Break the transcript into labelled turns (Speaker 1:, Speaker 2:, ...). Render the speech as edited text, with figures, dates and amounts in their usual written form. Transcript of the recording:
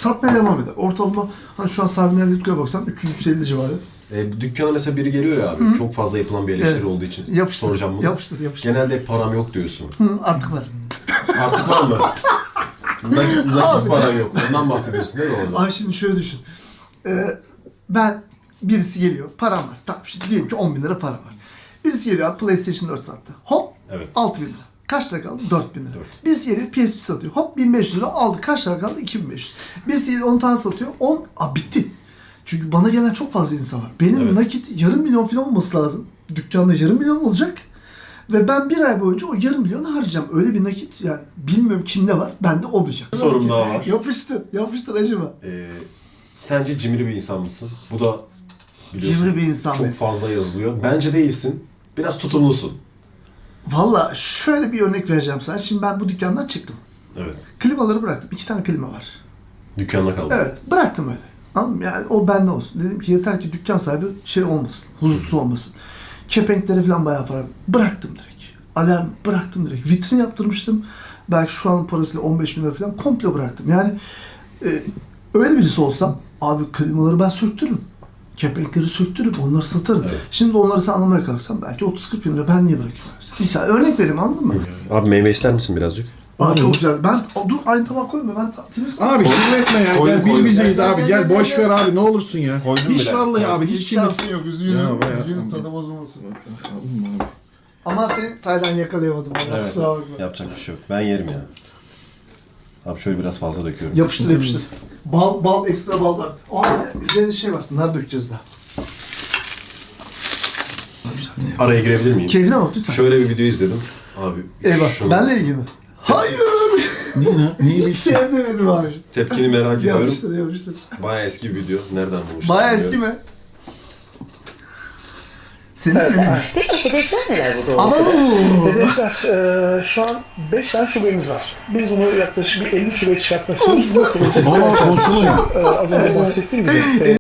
Speaker 1: satmaya devam eder. Ortalama hani şu an sahibinlerle dükkanına baksan 350 civarı.
Speaker 2: Dükkana mesela biri geliyor ya abi, çok fazla yapılan bir eleştiri olduğu için soracağım bunu.
Speaker 1: Yapıştır.
Speaker 2: Genelde param yok diyorsun.
Speaker 1: Artık var.
Speaker 2: Artık var mı? Nakit param yok. Ondan bahsediyorsun değil mi orada?
Speaker 1: Abi şimdi şöyle düşün. Birisi geliyor, param var. Tamam şimdi diyelim ki 10 bin lira param var. Birisi geliyor abi PlayStation 4 sattı. Hop,
Speaker 2: Evet.
Speaker 1: 6 bin lira. Kaç lira kaldı? 4 bin lira.
Speaker 2: 4.
Speaker 1: Birisi geliyor PSP satıyor. Hop 1500 lira aldı. Kaç lira kaldı? 2500. Birisi geliyor 10 tane satıyor. 10, bitti. Çünkü bana gelen çok fazla insan var. Benim nakit yarım milyon falan olması lazım. Dükkanda yarım milyon olacak. Ve ben bir ay boyunca o yarım milyonu harcayacağım. Öyle bir nakit yani bilmiyorum kimde var. Bende olmayacak.
Speaker 2: Sorum daha var.
Speaker 1: Yapıştır acaba.
Speaker 2: Sence cimri bir insan mısın? Bu da biliyorsun
Speaker 1: Cimri bir insan
Speaker 2: çok
Speaker 1: mı?
Speaker 2: fazla yazılıyor. Bence değilsin. Biraz tutumlusun.
Speaker 1: Valla şöyle bir örnek vereceğim sana. Şimdi ben bu dükkandan çıktım.
Speaker 2: Evet.
Speaker 1: Klimaları bıraktım. 2 tane klima var.
Speaker 2: Dükkanda kaldın.
Speaker 1: Evet. Bıraktım öyle. Anladın mı? Yani o bende olsun. Dedim ki yeter ki dükkan sahibi şey olmasın. Huzursuz olmasın. Kepenklere falan bayağı para. Bıraktım direkt. Alarm bıraktım direkt. Vitrin yaptırmıştım. Belki şu an parasıyla 15 bin lira falan komple bıraktım. Yani öyle birisi olsam abi klimaları ben söktürürüm. Kepenkleri söktürüp onları satarım. Evet. Şimdi onları sen anlamaya kalksam belki 30-40 bin lira ben niye bırakayım? Misal örnek vereyim anladın mı?
Speaker 2: Abi meyve ister misin birazcık?
Speaker 1: Aa çok güzel. Dur aynı tabak koyma ben temiz.
Speaker 3: Abi kirletme ya.
Speaker 2: Koydum,
Speaker 3: Gel biz bizeyiz
Speaker 1: Gel,
Speaker 3: abi.
Speaker 1: gel,
Speaker 3: Gel
Speaker 1: gel,
Speaker 3: boş
Speaker 1: gel.
Speaker 3: ver abi ne olursun ya.
Speaker 2: Koydum
Speaker 3: Hiç
Speaker 2: bile.
Speaker 3: vallahi abi hiç kirlet.
Speaker 1: şansın yok.
Speaker 3: Ya,
Speaker 1: Üzgünüm tadı bozulmasın. Ama seni Taylan yakalayamadım.
Speaker 2: Evet.
Speaker 1: Kusura bakma.
Speaker 2: Yapacak bir şey yok. Ben yerim ya. Abi şöyle biraz fazla döküyorum.
Speaker 1: Yapıştır. Bal ekstra bal var. Üzerinde şey var. Nar dökeceğiz daha.
Speaker 2: Araya girebilir miyim?
Speaker 1: Keyfine bak lütfen.
Speaker 2: Şöyle bir video izledim. Abi
Speaker 1: Eyvah.
Speaker 2: şunu-
Speaker 1: Benle ilgili mi? Hayır.
Speaker 3: Neyi
Speaker 1: Hiç sevmedim abi.
Speaker 2: Tepkini merak ediyorum.
Speaker 1: Yapıştır.
Speaker 2: Bayağı eski bir video. Nereden bulmuştun?
Speaker 1: Bayağı eski
Speaker 2: bilmiyorum.
Speaker 1: mi? Senin mi?
Speaker 4: Peki hedefler neler bu doğrultuda?
Speaker 1: Ama
Speaker 5: Hedefler, şu an 5 tane şubemiz var. Biz bunu yaklaşık bir 50 şubeye çıkartmak istiyoruz. Bu nasıl olacak?
Speaker 3: Aa, konsolos.
Speaker 5: Az önce bahsettiğim gibi